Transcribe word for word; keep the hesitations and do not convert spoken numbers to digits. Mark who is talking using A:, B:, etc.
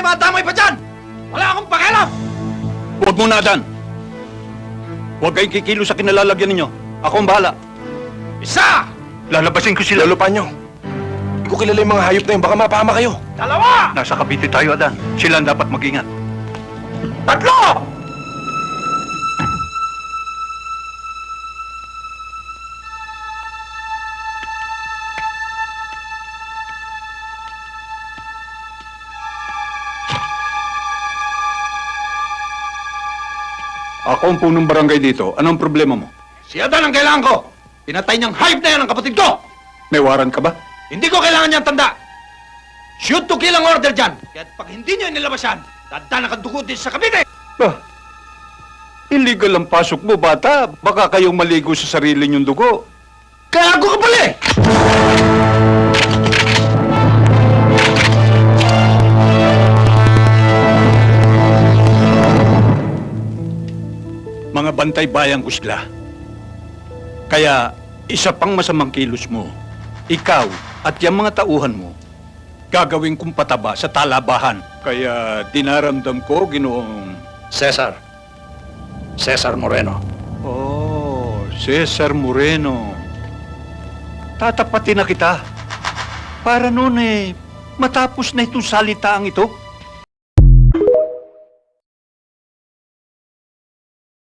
A: dumadamay pa dyan! Wala akong pakialam!
B: Huwag mo na, Adan. Huwag kayong kikilo sa kinalalagyan ninyo. Ako ang bahala.
A: Isa!
B: Lalabasin ko sila.
C: Lolo Panyo, hindi ko kilala yung mga hayop na yun. Baka mapahama kayo.
A: Dalawa!
B: Nasa Cavite tayo, Adan. Sila ang dapat mag-ingat.
A: Tatlo!
B: Ako ang punong barangay dito. Anong problema mo?
A: Si Adan ang kailangan ko! Pinatay niyang hayop na yan ang kapatid ko!
B: May warrant ka ba?
A: Hindi ko kailangan niyang tanda! Shoot to kill ang order dyan! Kaya't pag hindi niyo inilabas yan, dadaan ang dugo din sa Cavite!
B: Bah, illegal ang pasok mo, bata. Baka kayong maligo sa sarili niyong dugo.
A: Gago ka pala eh!
B: Mga bantay bayang ko sila. Kaya, isa pang masamang kilos mo, ikaw at yung mga tauhan mo, gagawin kong pataba sa talabahan. Kaya dinaramdam ko, ginoong...
A: Cesar. Cesar Moreno.
B: Oh, Cesar Moreno. Tatapatin na kita. Para noon eh, matapos na itong salitaang ito.